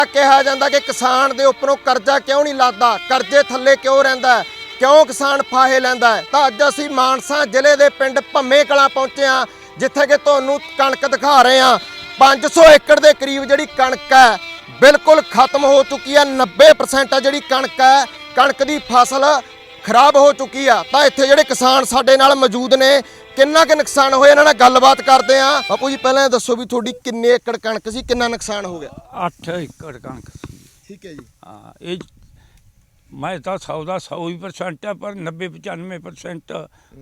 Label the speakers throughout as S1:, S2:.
S1: ਕਿਹਾ ਜਾਂਦਾ ਕਿ ਕਿਸਾਨ ਦੇ ਉੱਪਰੋਂ ਕਰਜ਼ਾ ਕਿਉਂ ਨਹੀਂ ਲੱਥਦਾ, ਕਰਜ਼ੇ ਥੱਲੇ ਕਿਉਂ ਰਹਿੰਦਾ ਹੈ, ਕਿਉਂ ਕਿਸਾਨ ਫਾਹੇ ਲੈਂਦਾ ਹੈ। ਤਾਂ ਅੱਜ ਅਸੀਂ ਮਾਨਸਾ ਜ਼ਿਲ੍ਹੇ ਦੇ ਪਿੰਡ ਭੰਮੇ ਕਲਾਂ ਪਹੁੰਚੇ ਹਾਂ, ਜਿੱਥੇ ਕਿ ਤੁਹਾਨੂੰ ਕਣਕ ਦਿਖਾ ਰਹੇ ਹਾਂ। 500 ਏਕੜ ਦੇ ਕਰੀਬ ਜਿਹੜੀ ਕਣਕ ਹੈ ਬਿਲਕੁਲ ਖਤਮ ਹੋ ਚੁੱਕੀ ਹੈ। 90% ਆ ਜਿਹੜੀ ਕਣਕ ਹੈ, ਕਣਕ ਦੀ ਫਸਲ ਖਰਾਬ ਹੋ ਚੁੱਕੀ ਆ। ਤਾਂ ਇੱਥੇ ਜਿਹੜੇ ਕਿਸਾਨ ਸਾਡੇ ਨਾਲ ਮੌਜੂਦ ਨੇ, ਕਿੰਨਾ ਕੁ ਨੁਕਸਾਨ ਹੋਇਆ ਇਹਨਾਂ ਨਾਲ ਗੱਲਬਾਤ ਕਰਦੇ ਆ। ਬਾਪੂ ਜੀ ਪਹਿਲਾਂ ਇਹ ਦੱਸੋ ਵੀ ਤੁਹਾਡੀ ਕਿੰਨੇ ਏਕੜ ਕਣਕ ਸੀ, ਕਿੰਨਾ ਨੁਕਸਾਨ ਹੋ ਗਿਆ?
S2: 8 ਏਕੜ ਕਣਕ ਸੀ।
S1: ਠੀਕ ਹੈ ਜੀ।
S2: ਹਾਂ, ਇਹ ਮੈਂ ਤਾਂ 100 ਦਾ 100% ਆ, ਪਰ 90-95%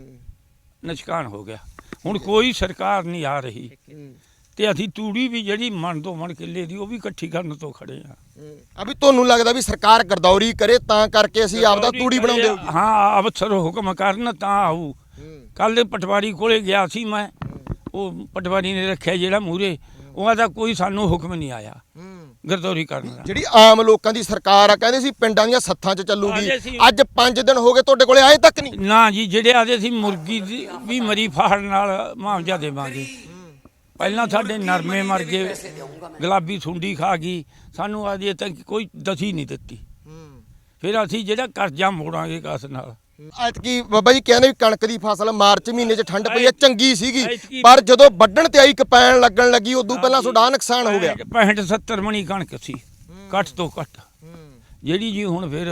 S2: ਨੁਕਸਾਨ ਹੋ ਗਿਆ। ਹੁਣ ਕੋਈ ਸਰਕਾਰ ਨਹੀਂ ਆ ਰਹੀ ਤੇ ਅਸੀਂ ਤੂੜੀ ਵੀ ਜਿਹੜੀ ਮਣ ਤੋਂ ਮਣ ਕਿੱਲੇ ਦੀ ਉਹ ਵੀ ਇਕੱਠੀ ਕਰਨ ਤੋਂ ਖੜੇ ਆ।
S1: ਅਭੀ ਤੁਹਾਨੂੰ ਲੱਗਦਾ ਵੀ ਸਰਕਾਰ ਗਰਦੌਰੀ ਕਰੇ ਤਾਂ ਕਰਕੇ ਅਸੀਂ ਆਪਦਾ ਤੂੜੀ ਬਣਾਉਂਦੇ ਹੋ?
S2: ਹਾਂ, ਅਫਸਰ ਹੁਕਮ ਕਰਨ ਤਾਂ ਆਊ। ਕੱਲ ਪਟਵਾਰੀ ਕੋਲੇ ਗਿਆ ਸੀ ਮੈਂ, ਉਹ ਪਟਵਾਰੀ ਨੇ ਰੱਖਿਆ ਜਿਹੜਾ ਮੂਹਰੇ, ਉਹਨਾਂ ਦਾ ਕੋਈ ਸਾਨੂੰ ਹੁਕਮ ਨਹੀਂ ਆਇਆ ਗਰਦੌਰੀ ਕਰਨ ਦਾ।
S1: ਜਿਹੜੀ ਆਮ ਲੋਕਾਂ ਦੀ ਸਰਕਾਰ ਆ, ਕਹਿੰਦੇ ਸੀ ਪਿੰਡਾਂ ਦੀਆਂ ਸੱਥਾਂ 'ਚ ਚੱਲੂਗੀ, ਅੱਜ 5 ਦਿਨ ਹੋ ਗਏ ਤੁਹਾਡੇ ਕੋਲੇ ਆਏ ਤੱਕ ਨਹੀਂ?
S2: ਨਾ ਜੀ, ਜਿਹੜੇ ਆਦੇ ਸੀ ਮੁਰਗੀ ਦੀ ਵੀ ਮਰੀ ਫਾੜ ਨਾਲ ਮੁਆਵਜ਼ਾ ਦੇਵਾਂਗੇ। ਪਹਿਲਾਂ ਸਾਡੇ ਨਰਮੇ ਮਰ ਗਏ, ਗੁਲਾਬੀ ਸੁੰਡੀ ਖਾ ਗਈ, ਸਾਨੂੰ ਅਜੇ ਤੱਕ ਕੋਈ ਦਸੀ ਨਹੀਂ ਦਿੱਤੀ। ਫਿਰ ਅਸੀਂ ਜਿਹੜਾ ਕਰਜ਼ਾ ਮੋੜਾਂਗੇ ਕਿਸ ਨਾਲ?
S1: ਐਤਕੀ ਬਾਬਾ ਜੀ ਕਹਿੰਦੇ ਵੀ ਕਣਕ ਦੀ ਫਸਲ ਮਾਰਚ ਮਹੀਨੇ 'ਚ ਠੰਡ ਪਈ ਹੈ, ਚੰਗੀ ਸੀਗੀ, ਪਰ ਜਦੋਂ ਵੱਢਣ ਤੇ ਆਈ ਕਪੈਣ ਲੱਗਣ ਲੱਗੀ ਉਦੋਂ ਪਹਿਲਾਂ ਤੁਹਾਡਾ ਨੁਕਸਾਨ ਹੋ ਗਿਆ।
S2: 65-70 ਮਣੀ ਕਣਕ ਸੀ ਘੱਟ ਤੋਂ ਘੱਟ, ਜਿਹੜੀ ਜੀ ਹੁਣ ਫਿਰ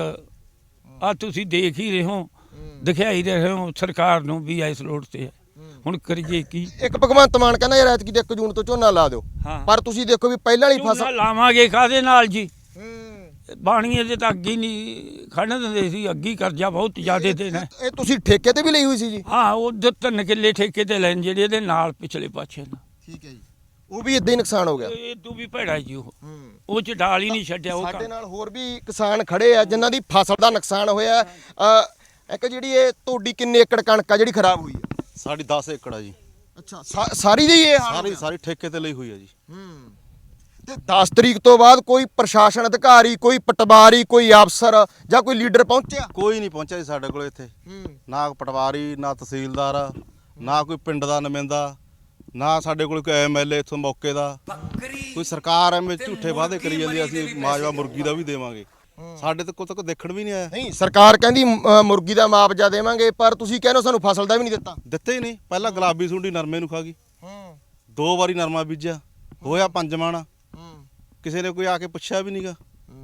S2: ਆ ਤੁਸੀਂ ਦੇਖ ਹੀ ਰਹੇ ਹੋ, ਦਿਖਾਈ ਰਹੇ ਹੋ ਸਰਕਾਰ ਨੂੰ ਵੀ ਇਸ ਲੋੜ ਤੇ ਹੁਣ ਕਰੀਏ ਕੀ। ਇੱਕ ਭਗਵੰਤ ਮਾਨ ਕਹਿੰਦਾ ਯਾਰ ਐਤਕੀ 1 ਜੂਨ ਤੋਂ ਝੋਨਾ ਲਾ ਦਿਓ, ਪਰ ਤੁਸੀਂ ਦੇਖੋ ਵੀ ਪਹਿਲਾਂ ਵਾਲੀ ਫਸਲ ਲਾਵਾਂਗੇ ਕਾਹਦੇ ਨਾਲ ਜੀ? ਬਾਣੀਏ ਦੇ ਤਾਂ ਅੱਗੇ ਨਹੀਂ ਖੜਨ ਦਿੰਦੇ ਸੀ, ਅੱਗੇ ਕਰਜ਼ਾ ਬਹੁਤ ਜ਼ਿਆਦਾ ਦੇਣਾ।
S1: ਇਹ ਤੁਸੀਂ ਠੇਕੇ ਤੇ ਵੀ ਲਈ ਹੋਈ ਸੀ ਜੀ?
S2: ਹਾਂ, ਉਹ 3 ਕਿੱਲੇ ਠੇਕੇ ਤੇ ਲੈਣ, ਜਿਹੜੇ ਇਹਦੇ ਨਾਲ ਪਿਛਲੇ ਪਾਸੇ ਨਾ।
S1: ਠੀਕ ਹੈ ਜੀ। ਉਹ ਵੀ ਇਦਾਂ ਹੀ ਨੁਕਸਾਨ ਹੋ ਗਿਆ?
S2: ਇਹ ਤੂੰ ਵੀ ਭੈੜਾ ਜੀ, ਉਹ ਚ ਡਾਲ ਹੀ ਨਹੀਂ ਛੱਡਿਆ। ਉਹ
S1: ਸਾਡੇ ਨਾਲ ਹੋਰ ਵੀ ਕਿਸਾਨ ਖੜੇ ਆ ਜਿਨ੍ਹਾਂ ਦੀ ਫਸਲ ਦਾ ਨੁਕਸਾਨ ਹੋਇਆ। ਇੱਕ ਜਿਹੜੀ ਇਹ ਤੁਹਾਡੀ ਕਿੰਨੇ ਏਕੜ ਕਣਕ ਆ ਜਿਹੜੀ ਖਰਾਬ ਹੋਈ ਹੈ?
S3: ਸਾਡੀ 10 ਏਕੜ ਆ ਜੀ।
S1: ਅੱਛਾ, ਸਾਰੀ ਦੀ ਇਹ ਹਾਲ?
S3: ਸਾਰੀ ਠੇਕੇ ਤੇ ਲਈ ਹੋਈ ਆ ਜੀ।
S1: ਤੇ 10 ਤਰੀਕ ਤੋਂ ਬਾਅਦ ਕੋਈ ਪ੍ਰਸ਼ਾਸਨ ਅਧਿਕਾਰੀ, ਕੋਈ ਪਟਵਾਰੀ, ਕੋਈ ਅਫਸਰ ਜਾਂ ਕੋਈ ਲੀਡਰ ਪਹੁੰਚਿਆ?
S3: ਕੋਈ ਨਹੀਂ ਪਹੁੰਚਿਆ ਜੀ ਸਾਡੇ ਕੋਲ ਇੱਥੇ। ਨਾ ਪਟਵਾਰੀ, ਨਾ ਤਹਿਸੀਲਦਾਰ, ਨਾ ਕੋਈ ਪਿੰਡ ਦਾ ਨੁਮਾਇੰਦਾ, ਨਾ ਸਾਡੇ ਕੋਲ ਕੋਈ ਐਮਐਲਏ ਇੱਥੋਂ ਮੌਕੇ ਦਾ। ਕੋਈ ਸਰਕਾਰ ਐਵੇਂ ਝੂਠੇ ਵਾਅਦੇ ਕਰੀ ਜਾਂਦੀ, ਅਸੀਂ ਮਾਜਵਾ ਮੁਰਗੀ ਦਾ ਵੀ ਦੇਵਾਂਗੇ, ਸਾਡੇ ਤੇ ਕੋਈ ਦੇਖਣ ਵੀ ਨਹੀਂ ਆਇਆ।
S1: ਨਹੀਂ, ਸਰਕਾਰ ਕਹਿੰਦੀ ਮੁਰਗੀ ਦਾ ਮੁਆਵਜ਼ਾ ਦੇਵਾਂਗੇ, ਪਰ ਤੁਸੀਂ ਕਹਿੰਦੇ ਸਾਨੂੰ ਫਸਲ ਦਾ ਵੀ ਨਹੀਂ ਦਿੱਤਾ।
S3: ਦਿੱਤੇ ਹੀ ਨਹੀਂ। ਪਹਿਲਾਂ ਗੁਲਾਬੀ ਸੁੰਡੀ ਨਰਮੇ ਨੂੰ ਖਾ ਗਈ, 2 ਵਾਰੀ ਨਰਮਾ ਬੀਜਿਆ, ਹੋਇਆ 5 ਮਣ, ਕਿਸੇ ਨੇ ਕੋਈ ਆ ਕੇ ਪੁੱਛਿਆ ਵੀ ਨਹੀਂਗਾ।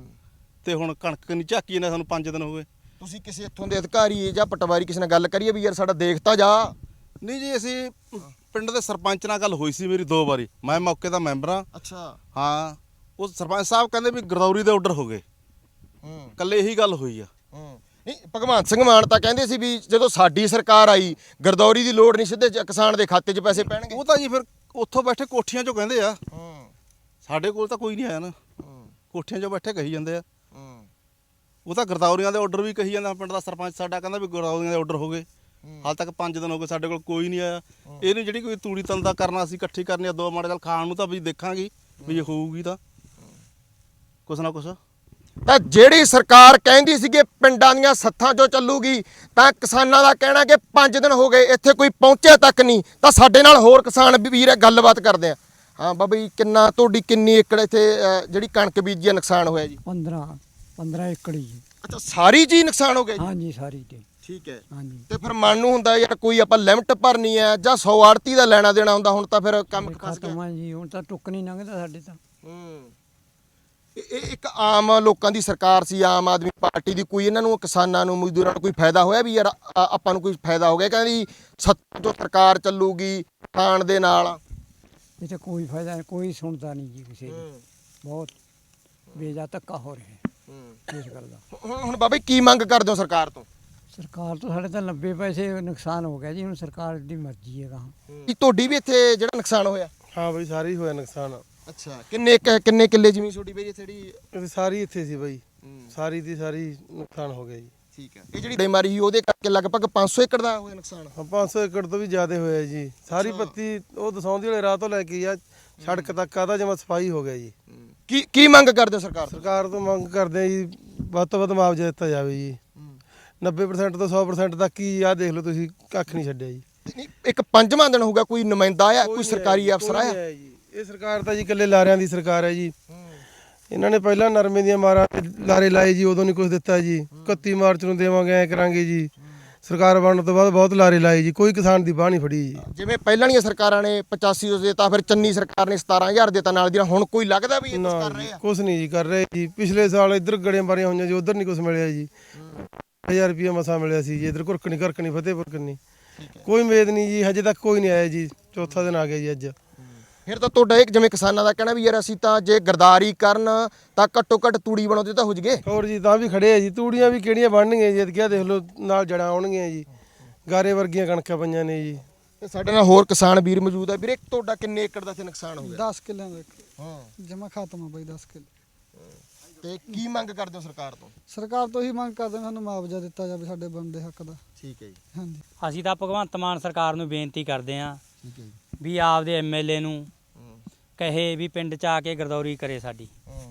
S3: ਤੇ ਹੁਣ ਕਣਕ ਨਹੀਂ ਝਾਕੀ ਨੇ, ਸਾਨੂੰ 5 ਦਿਨ ਹੋ ਗਏ।
S1: ਤੁਸੀਂ ਕਿਸੇ ਇੱਥੋਂ ਦੇ ਅਧਿਕਾਰੀ ਜਾਂ ਪਟਵਾਰੀ ਕਿਸੇ ਨਾਲ ਗੱਲ ਕਰੀਏ ਵੀ ਯਾਰ ਸਾਡਾ ਦੇਖਤਾ ਜਾ?
S3: ਨਹੀਂ ਜੀ, ਅਸੀਂ ਪਿੰਡ ਦੇ ਸਰਪੰਚ ਨਾਲ ਗੱਲ ਹੋਈ ਸੀ ਮੇਰੀ 2 ਵਾਰੀ, ਮੈਂ ਮੌਕੇ ਦਾ ਮੈਂਬਰ ਹਾਂ।
S1: ਅੱਛਾ।
S3: ਹਾਂ, ਉਹ ਸਰਪੰਚ ਸਾਹਿਬ ਕਹਿੰਦੇ ਵੀ ਗਰਦੌਰੀ ਦੇ ਆਰਡਰ ਹੋ ਗਏ। ਕੱਲੇ ਇਹੀ ਗੱਲ ਹੋਈ ਆ।
S1: ਨਹੀਂ, ਭਗਵੰਤ ਸਿੰਘ ਮਾਨ ਤਾਂ ਕਹਿੰਦੇ ਸੀ ਵੀ ਜਦੋਂ ਸਾਡੀ ਸਰਕਾਰ ਆਈ ਗਰਦੌਰੀ ਦੀ ਲੋੜ ਨਹੀਂ, ਸਿੱਧੇ ਕਿਸਾਨ ਦੇ ਖਾਤੇ 'ਚ ਪੈਸੇ ਪੈਣਗੇ।
S3: ਉਹ ਤਾਂ ਜੀ ਫਿਰ ਉੱਥੋਂ ਬੈਠੇ ਕੋਠੀਆਂ 'ਚੋਂ ਕਹਿੰਦੇ ਆ, ਸਾਡੇ ਕੋਲ ਤਾਂ ਕੋਈ ਨਹੀਂ ਆਇਆ ਨਾ। ਕੋਠੀਆਂ 'ਚੋਂ ਬੈਠੇ ਕਹੀ ਜਾਂਦੇ ਆ। ਉਹ ਤਾਂ ਗਰਦੌਰੀਆਂ ਦੇ ਆਰਡਰ ਵੀ ਕਹੀ ਜਾਂਦਾ। ਪਿੰਡ ਦਾ ਸਰਪੰਚ ਸਾਡਾ ਕਹਿੰਦਾ ਵੀ ਗਰਦੌਰੀਆਂ ਦੇ ਆਰਡਰ ਹੋ ਗਏ, ਹਾਲ ਤੱਕ 5 ਦਿਨ ਹੋ ਗਏ, ਸਾਡੇ ਕੋਲ ਕੋਈ ਨਹੀਂ ਆਇਆ। ਇਹਨੂੰ ਜਿਹੜੀ ਕੋਈ ਤੂੜੀ ਤੰਦਾ ਕਰਨਾ ਅਸੀਂ ਇਕੱਠੀ ਕਰਨੀ ਆ, 2 ਮਾੜੇ ਚੱਲ ਖਾਣ ਨੂੰ ਤਾਂ ਵੀ ਦੇਖਾਂਗੇ ਵੀ ਜੇ ਹੋਊਗੀ ਤਾਂ ਕੁਛ ਨਾ ਕੁਛ।
S1: ਤਾਂ ਜਿਹੜੀ ਸਰਕਾਰ ਕਹਿੰਦੀ ਸੀ ਕਿ ਪਿੰਡਾਂ ਦੀਆਂ ਸੱਥਾਂ 'ਚੋਂ ਚੱਲੂਗੀ, ਤਾਂ ਕਿਸਾਨਾਂ ਦਾ ਕਹਿਣਾ ਕਿ 5 ਦਿਨ ਹੋ ਗਏ ਇੱਥੇ ਕੋਈ ਪਹੁੰਚਿਆ ਤੱਕ ਨਹੀਂ। ਤਾਂ ਸਾਡੇ ਨਾਲ ਹੋਰ ਕਿਸਾਨ ਵੀਰ ਹੈ, ਗੱਲਬਾਤ ਕਰਦੇ ਆ। ਹਾਂ ਬਾਬਾ ਜੀ, ਤੁਹਾਡੀ ਕਿੰਨੀ ਏਕੜ ਇੱਥੇ ਜਿਹੜੀ ਕਣਕ ਬੀਜੀ ਆ ਨੁਕਸਾਨ ਹੋਇਆ ਜੀ?
S4: 15 ਏਕੜ ਜੀ।
S1: ਅੱਛਾ, ਸਾਰੀ ਚੀਜ਼ ਨੁਕਸਾਨ ਹੋ ਗਿਆ ਜੀ?
S4: ਹਾਂਜੀ, ਸਾਰੀ ਤੇ।
S1: ਠੀਕ ਹੈ।
S4: ਹਾਂਜੀ।
S1: ਤੇ ਫਿਰ ਮਨ ਨੂੰ ਹੁੰਦਾ ਯਾਰ ਕੋਈ ਆਪਾਂ ਲਿਮਟ ਭਰਨੀ ਹੈ ਜਾਂ 100 ਆੜਤੀ ਦਾ ਲੈਣਾ ਦੇਣਾ ਹੁੰਦਾ, ਹੁਣ ਤਾਂ ਫਿਰ ਕੰਮ ਫਸ ਗਿਆ।
S4: ਖਤਮ ਆ ਜੀ, ਹੁਣ ਤਾਂ ਟੁੱਕ ਨਹੀਂ ਲੰਘਦਾ ਸਾਡੇ ਤਾਂ।
S1: ਇਹ ਇੱਕ ਆਮ ਲੋਕਾਂ ਦੀ ਸਰਕਾਰ ਸੀ, ਆਮ ਆਦਮੀ ਪਾਰਟੀ ਦੀ। ਕੋਈ ਇਹਨਾਂ ਨੂੰ, ਕਿਸਾਨਾਂ ਨੂੰ, ਮਜ਼ਦੂਰਾਂ ਨੂੰ ਕੋਈ ਫਾਇਦਾ ਹੋਇਆ ਵੀ ਯਾਰ ਆਪਾਂ ਨੂੰ ਕੋਈ ਫਾਇਦਾ ਹੋ ਗਿਆ? ਕਹਿੰਦੀ ਸੱਤਾਂ ਤੋਂ ਸਰਕਾਰ ਚੱਲੂਗੀ ਖਾਣ ਦੇ ਨਾਲ।
S4: ਇਹ ਤਾਂ ਕੋਈ ਫਾਇਦਾ ਨਹੀਂ, ਕੋਈ ਸੁਣਦਾ ਨਹੀਂ ਜੀ ਕਿਸੇ ਦੀ। ਬਹੁਤ ਬੇਜਾ ਧੱਕਾ ਹੋ ਰਿਹਾ ਇਸ ਗੱਲ ਦਾ।
S1: ਹੁਣ ਬਾਬਾ ਕੀ ਮੰਗ ਕਰਦੇ ਹੋ ਸਰਕਾਰ ਤੋਂ?
S4: ਸਰਕਾਰ ਤੋਂ ਸਾਡੇ ਤਾਂ 90 ਪੈਸੇ ਨੁਕਸਾਨ ਹੋ ਗਿਆ ਜੀ, ਹੁਣ ਸਰਕਾਰ ਦੀ ਮਰਜ਼ੀ ਹੈ ਕਹਾਂ।
S1: ਤੁਹਾਡੀ ਵੀ ਇੱਥੇ ਜਿਹੜਾ ਨੁਕਸਾਨ ਹੋਇਆ?
S5: ਹਾਂ ਬਈ, ਸਾਰਾ ਹੀ ਹੋਇਆ ਨੁਕਸਾਨ।
S1: ਅੱਛਾ, ਕਿੰਨੇ ਕਿੱਲੇ ਜ਼ਮੀਨ ਛੋਟੀ ਬਈ ਜਿਹੜੀ?
S5: ਸਾਰੀ ਇੱਥੇ ਸੀ ਬਈ, ਸਾਰੀ ਦੀ ਸਾਰੀ ਨੁਕਸਾਨ ਹੋ ਗਿਆ ਜੀ।
S1: ਠੀਕ ਹੈ। ਇਹ ਜਿਹੜੀ ਬਿਮਾਰੀ ਸੀ ਉਹਦੇ ਕਰਕੇ ਲਗਭਗ 500 ਏਕੜ ਦਾ ਹੋਇਆ ਨੁਕਸਾਨ?
S5: ਹਾਂ, 500 ਏਕੜ ਤੋਂ ਵੀ ਜ਼ਿਆਦਾ ਹੋਇਆ ਜੀ। ਸਾਰੀ ਪੱਤੀ ਉਹ ਦਸੌਂਦੀ ਵਾਲੇ ਰਾਹ ਤੋਂ ਲੈ ਕੇ ਆ ਸੜਕ ਤੱਕ ਆਦਾ ਜਮਾ ਸਫਾਈ ਹੋ ਗਿਆ ਜੀ।
S1: ਕੀ ਮੰਗ ਕਰਦੇ ਹੋ ਸਰਕਾਰ ਤੋਂ?
S5: ਸਰਕਾਰ ਤੋਂ ਮੰਗ ਕਰਦੇ ਆ ਜੀ, ਵੱਧ ਤੋਂ ਵੱਧ ਮੁਆਵਜ਼ਾ ਦਿੱਤਾ ਜਾਵੇ ਜੀ। 90% ਤੋਂ 100% ਤੱਕ ਹੀ ਆ ਦੇਖ ਲਓ ਤੁਸੀਂ, ਕੱਖ ਨਹੀਂ ਛੱਡਿਆ ਜੀ।
S1: ਇੱਕ 5ਵਾਂ ਦਿਨ ਹੋਊਗਾ, ਕੋਈ ਨੁਮਾਇੰਦਾ ਆਇਆ, ਕੋਈ ਸਰਕਾਰੀ ਅਫਸਰ ਆਇਆ?
S5: ਇਹ ਸਰਕਾਰ ਤਾਂ ਜੀ ਇਕੱਲੇ ਲਾਰਿਆਂ ਦੀ ਸਰਕਾਰ ਹੈ ਜੀ। ਇਹਨਾਂ ਨੇ ਪਹਿਲਾਂ ਨਰਮੇ ਦੀਆਂ ਮਾਰਾਂ ਤੇ ਲਾਰੇ ਲਾਏ ਜੀ, ਉਦੋਂ ਨਹੀਂ ਕੁਝ ਦਿੱਤਾ ਜੀ। 31 ਮਾਰਚ ਨੂੰ ਦੇਵਾਂਗੇ, ਐ ਕਰਾਂਗੇ ਜੀ। ਸਰਕਾਰ ਬਣਨ ਤੋਂ ਬਾਅਦ ਬਹੁਤ ਲਾਰੇ ਲਾਏ ਜੀ, ਕੋਈ ਕਿਸਾਨ ਦੀ ਬਾਹ ਨਹੀਂ ਫੜੀ ਜੀ।
S1: ਜਿਵੇਂ ਪਹਿਲਾਂ ਦੀਆਂ ਸਰਕਾਰਾਂ ਨੇ 8500 ਦਿੱਤਾ, ਫਿਰ ਚੰਨੀ ਸਰਕਾਰ ਨੇ 17000 ਦਿੱਤਾ ਨਾਲ ਦੀ ਨਾਲ, ਹੁਣ ਕੋਈ ਲੱਗਦਾ ਵੀ ਇਹ ਕੁਝ ਕਰ ਰਹੇ ਆ?
S5: ਕੁਝ ਨਹੀਂ ਜੀ ਕਰ ਰਹੇ ਜੀ। ਪਿਛਲੇ ਸਾਲ ਇੱਧਰ ਗੜੀਆਂ ਮਾਰੀਆਂ ਹੋਈਆਂ ਜੀ, ਉਧਰ ਨਹੀਂ ਕੁਝ ਮਿਲਿਆ ਜੀ। 1000 ਰੁਪਏ ਮਸਾ ਮਿਲਿਆ ਸੀ ਜੀ। ਇੱਧਰ ਘੁਰਕਣੀ ਫਤਿਹਪੁਰ ਕੰਨੀ ਕੋਈ ਉਮੀਦ ਨਹੀਂ ਜੀ, ਹਜੇ ਤੱਕ ਕੋਈ ਨਹੀਂ ਆਇਆ ਜੀ। ਚੌਥਾ ਦਿਨ ਆ ਗਿਆ ਜੀ ਅੱਜ।
S1: ਫਿਰ ਤਾਂ ਤੁਹਾਡਾ ਇੱਕ ਜਿਵੇਂ ਕਿਸਾਨਾਂ ਦਾ ਕਹਿਣਾ ਵੀ ਯਾਰ ਅਸੀਂ ਤਾਂ ਜੇ ਗਰਦਾਰੀ ਕਰਨ ਤਾਂ ਘੱਟੋ ਘੱਟ ਤੂੜੀ ਬਣਾਉਂਦੇ ਤਾਂ ਹੋ ਜਗੇ।
S5: ਹੋਰ ਜੀ ਤਾਂ ਵੀ ਖੜੇ ਆ ਜੀ। ਤੂੜੀਆਂ ਵੀ ਕਿਹੜੀਆਂ ਬਣਨਗੀਆਂ ਜੀ, ਕਿਹਾ ਦੇਖ ਲਓ ਨਾਲ ਜੜਾਂ ਆਉਣਗੀਆਂ ਜੀ। ਗਾਰੇ ਵਰਗੀਆਂ ਕਣਕਾਂ ਪਈਆਂ ਨੇ ਜੀ।
S1: ਤੇ ਸਾਡੇ ਨਾਲ ਹੋਰ ਕਿਸਾਨ ਵੀਰ ਮੌਜੂਦ ਆ। ਵੀਰੇ ਤੁਹਾਡਾ ਕਿੰਨੇ ਏਕੜ ਦਾ ਇੱਥੇ ਨੁਕਸਾਨ ਹੋ ਗਿਆ?
S6: 10 ਕਿੱਲਿਆਂ ਦਾ
S1: ਹਾਂ,
S6: ਜਮਾ ਖਾਤਮਾ ਬਈ 10 ਕਿੱਲੇ।
S1: ਤੇ ਕੀ ਮੰਗ ਕਰਦੇ ਹੋ ਸਰਕਾਰ ਤੋਂ?
S6: ਸਰਕਾਰ ਤੋਂ ਹੀ ਮੰਗ ਕਰਦੇ ਹਾਂ ਸਾਨੂੰ ਮੁਆਵਜ਼ਾ ਦਿੱਤਾ ਜਾਵੇ ਸਾਡੇ ਬਣਦੇ ਹੱਕ ਦਾ।
S1: ਠੀਕ ਹੈ ਜੀ,
S6: ਹਾਂਜੀ
S7: ਅਸੀਂ ਤਾਂ ਭਗਵੰਤ ਮਾਨ ਸਰਕਾਰ ਨੂੰ ਬੇਨਤੀ ਕਰਦੇ ਹਾਂ
S1: ਠੀਕ ਹੈ ਜੀ।
S7: ਵੀ ਆਪਦੇ ਐਮਐਲਏ ਨੂੰ ਕਹੇ ਵੀ ਪਿੰਡ 'ਚ ਆ ਕੇ ਗਰਦੌਰੀ ਕਰੇ ਸਾਡੀ,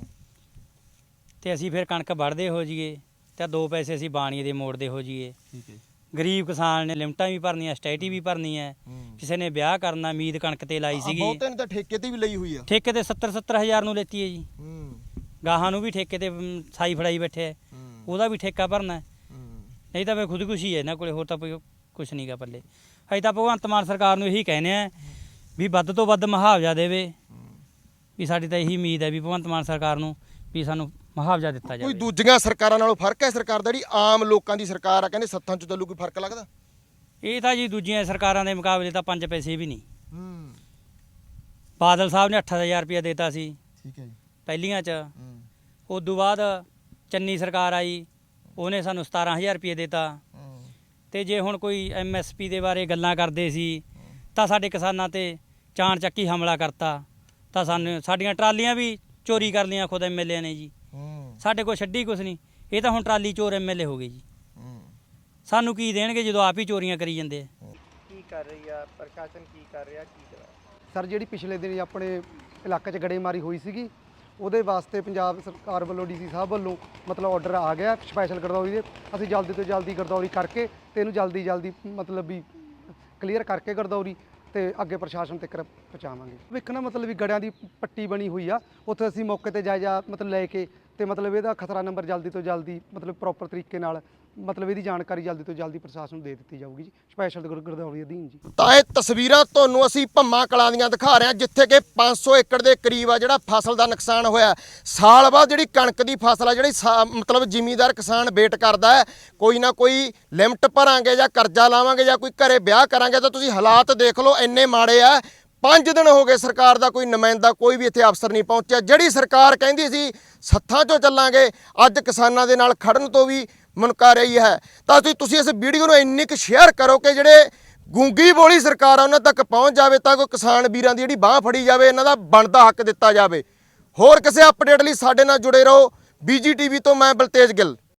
S7: ਤੇ ਅਸੀਂ ਫਿਰ ਕਣਕ ਵੱਢਦੇ ਹੋ ਜਾਈਏ ਤੇ 2 ਪੈਸੇ ਅਸੀਂ ਬਾਣੀਏ ਦੇ ਮੋੜਦੇ ਹੋ ਜਾਈਏ।
S1: ਠੀਕ ਹੈ।
S7: ਗਰੀਬ ਕਿਸਾਨ ਨੇ ਲਿਮਟਾਂ ਵੀ ਭਰਨੀਆਂ, ਸਟੈਟੀ ਵੀ ਭਰਨੀ ਹੈ। ਕਿਸੇ ਨੇ ਵਿਆਹ ਕਰਨਾ, ਉਮੀਦ ਕਣਕ ਤੇ ਲਾਈ ਸੀਗੀ।
S1: ਬਹੁਤੇ ਨੇ ਤਾਂ ਠੇਕੇ ਤੇ ਵੀ ਲਈ ਹੋਈ ਆ।
S7: ਠੇਕੇ ਤੇ 70 ਹਜ਼ਾਰ ਨੂੰ ਲੈਤੀ ਹੈ ਜੀ। ਗਾਹਾਂ ਨੂੰ ਵੀ ਠੇਕੇ ਤੇ ਸਾਈ ਫੜਾਈ ਬੈਠੇ ਹੈ, ਉਹਦਾ ਵੀ ਠੇਕਾ ਭਰਨਾ ਹੈ। ਨਹੀਂ ਤਾਂ ਫਿਰ ਖੁਦਕੁਸ਼ੀ ਹੈ ਇਹਨਾਂ ਕੋਲੇ, ਹੋਰ ਤਾਂ ਕੁਛ ਨਹੀਂ ਗਾ ਪੱਲੇ। ਅਸੀਂ ਤਾਂ ਭਗਵੰਤ ਮਾਨ ਸਰਕਾਰ ਨੂੰ ਇਹੀ ਕਹਿੰਦੇ ਆ ਵੀ ਵੱਧ ਤੋਂ ਵੱਧ ਮੁਆਵਜ਼ਾ ਦੇਵੇ। ਵੀ ਸਾਡੀ ਤਾਂ ਇਹੀ ਉਮੀਦ ਹੈ ਵੀ ਭਗਵੰਤ ਮਾਨ ਸਰਕਾਰ ਨੂੰ ਵੀ ਸਾਨੂੰ ਮੁਆਵਜ਼ਾ ਦਿੱਤਾ
S1: ਕੋਈ
S7: ਜਾਵੇ।
S1: ਦੂਜੀਆਂ ਸਰਕਾਰਾਂ ਨਾਲੋਂ ਫਰਕ ਹੈ ਸਰਕਾਰ ਦਾ? ਜਿਹੜੀ ਆਮ ਲੋਕਾਂ ਦੀ ਸਰਕਾਰ ਆ, ਕਹਿੰਦੇ ਸੱਥਾਂ ਚ ਚੱਲੂ, ਕੋਈ ਫਰਕ ਲੱਗਦਾ?
S7: ਇਹ ਤਾਂ ਜੀ ਦੂਜੀਆਂ ਸਰਕਾਰਾਂ ਦੇ ਮੁਕਾਬਲੇ ਤਾਂ 5 ਪੈਸੇ ਵੀ ਨਹੀਂ। ਬਾਦਲ ਸਾਹਿਬ ਨੇ 8000 ਰੁਪਇਆ ਦਿੱਤਾ ਸੀ
S1: ਠੀਕ ਹੈ ਜੀ।
S7: ਪਹਿਲੀਆਂ 'ਚ। ਉਦੋਂ ਬਾਅਦ ਚੰਨੀ ਸਰਕਾਰ ਆਈ, ਉਹਨੇ ਸਾਨੂੰ 17000 ਰੁਪਏ ਦਿੱਤਾ। ਤੇ ਜੇ ਹੁਣ ਕੋਈ ਐਮਐਸਪੀ ਦੇ ਬਾਰੇ ਗੱਲਾਂ ਕਰਦੇ ਸੀ ਤਾਂ ਸਾਡੇ ਕਿਸਾਨਾਂ ਤੇ ਚਾਣ ਚੱਕੀ ਹਮਲਾ ਕਰਤਾ। ਤਾਂ ਸਾਡੀਆਂ ਟਰਾਲੀਆਂ ਵੀ ਚੋਰੀ ਕਰ ਲਈਆਂ ਖੁਦ ਐਮਐਲਏ ਨੇ ਜੀ। ਸਾਡੇ ਕੋਲ ਛੱਡੀ ਕੁਛ ਨਹੀਂ। ਇਹ ਤਾਂ ਹੁਣ ਟਰਾਲੀ ਚੋਰ ਐਮਐਲਏ ਹੋ ਗਏ ਜੀ। ਸਾਨੂੰ ਕੀ ਦੇਣਗੇ ਜਦੋਂ ਆਪ ਹੀ ਚੋਰੀਆਂ ਕਰੀ ਜਾਂਦੇ ਆ।
S8: ਕੀ ਕਰ ਰਹੀ ਆ ਪ੍ਰਸ਼ਾਸਨ, ਕੀ ਕਰ ਰਿਹਾ, ਕੀ ਕਰਾ?
S9: ਸਰ ਜਿਹੜੀ ਪਿਛਲੇ ਦਿਨ ਆਪਣੇ ਇਲਾਕੇ 'ਚ ਗੜੇਮਾਰੀ ਹੋਈ ਸੀਗੀ, ਉਹਦੇ ਵਾਸਤੇ ਪੰਜਾਬ ਸਰਕਾਰ ਵੱਲੋਂ ਡੀਸੀ ਸਾਹਿਬ ਵੱਲੋਂ ਮਤਲਬ ਆਰਡਰ ਆ ਗਿਆ ਸਪੈਸ਼ਲ ਗਰਦੌਰੀ ਦੇ। ਅਸੀਂ ਜਲਦੀ ਤੋਂ ਜਲਦੀ ਗਰਦੌਰੀ ਕਰਕੇ ਤੇ ਇਹਨੂੰ ਜਲਦੀ ਮਤਲਬ ਵੀ ਕਲੀਅਰ ਕਰਕੇ ਗਰਦੌਰੀ ਤੇ ਅੱਗੇ ਪ੍ਰਸ਼ਾਸਨ ਤੱਕ ਪਹੁੰਚਾਵਾਂਗੇ। ਵੇਖਣਾ ਮਤਲਬ ਵੀ ਗੜਿਆਂ ਦੀ ਪੱਟੀ ਬਣੀ ਹੋਈ ਆ, ਉੱਥੇ ਅਸੀਂ ਮੌਕੇ ਤੇ ਜਾਇਜ਼ਾ ਮਤਲਬ ਲੈ ਕੇ ਤੇ ਮਤਲਬ ਇਹਦਾ ਖਤਰਾ ਨੰਬਰ ਜਲਦੀ ਤੋਂ ਜਲਦੀ ਮਤਲਬ ਪ੍ਰੋਪਰ ਤਰੀਕੇ ਨਾਲ ਮਤਲਬ ਇਹਦੀ ਜਾਣਕਾਰੀ ਜਲਦੀ ਤੋਂ ਜਲਦੀ ਪ੍ਰਸ਼ਾਸਨ ਨੂੰ ਦੇ ਦਿੱਤੀ ਜਾਊਗੀ ਜੀ, ਸਪੈਸ਼ਲ ਗਰਦੌਰੀ ਅਧੀਨ ਜੀ।
S1: ਤਾਂ ਇਹ ਤਸਵੀਰਾਂ ਤੁਹਾਨੂੰ ਅਸੀਂ ਭੰਮਾ ਕਲਾਂ ਦੀਆਂ ਦਿਖਾ ਰਹੇ ਹਾਂ, ਜਿੱਥੇ ਕਿ 500 ਏਕੜ ਦੇ ਕਰੀਬ ਆ ਜਿਹੜਾ ਫਸਲ ਦਾ ਨੁਕਸਾਨ ਹੋਇਆ। ਸਾਲ ਬਾਅਦ ਜਿਹੜੀ ਕਣਕ ਦੀ ਫਸਲ ਆ, ਜਿਹੜੀ ਮਤਲਬ ਜ਼ਿਮੀਂਦਾਰ ਕਿਸਾਨ ਵੇਟ ਕਰਦਾ ਹੈ, ਕੋਈ ਨਾ ਕੋਈ ਲਿਮਟ ਭਰਾਂਗੇ ਜਾਂ ਕਰਜ਼ਾ ਲਾਵਾਂਗੇ ਜਾਂ ਕੋਈ ਘਰੇ ਵਿਆਹ ਕਰਾਂਗੇ, ਤਾਂ ਤੁਸੀਂ ਹਾਲਾਤ ਦੇਖ ਲਓ ਇੰਨੇ ਮਾੜੇ ਆ। 5 ਦਿਨ ਹੋ ਗਏ ਸਰਕਾਰ ਦਾ ਕੋਈ ਨੁਮਾਇੰਦਾ, ਕੋਈ ਵੀ ਇੱਥੇ ਅਫਸਰ ਨਹੀਂ ਪਹੁੰਚਿਆ। ਜਿਹੜੀ ਸਰਕਾਰ ਕਹਿੰਦੀ ਸੀ ਸੱਥਾਂ 'ਚੋਂ ਚੱਲਾਂਗੇ, ਅੱਜ ਕਿਸਾਨਾਂ ਦੇ ਨਾਲ ਖੜਨ ਤੋਂ ਵੀ ਮੁਨਕਰ ਰਹੀ ਹੈ। ਤਾਂ ਤੁਸੀਂ ਇਸ ਵੀਡੀਓ ਨੂੰ ਇੰਨੀ ਕੁ ਸ਼ੇਅਰ ਕਰੋ ਕਿ ਜਿਹੜੇ ਗੂੰਗੀ ਬੋਲੀ ਸਰਕਾਰ ਆ ਉਹਨਾਂ ਤੱਕ ਪਹੁੰਚ ਜਾਵੇ, ਤਾਂ ਕੋਈ ਕਿਸਾਨ ਵੀਰਾਂ ਦੀ ਜਿਹੜੀ ਬਾਹ ਫੜੀ ਜਾਵੇ, ਇਹਨਾਂ ਦਾ ਬਣਦਾ ਹੱਕ ਦਿੱਤਾ ਜਾਵੇ। ਹੋਰ ਕਿਸੇ ਅਪਡੇਟ ਲਈ ਸਾਡੇ ਨਾਲ ਜੁੜੇ ਰਹੋ। BGTV ਤੋਂ ਮੈਂ ਬਲਤੇਜ ਗਿੱਲ।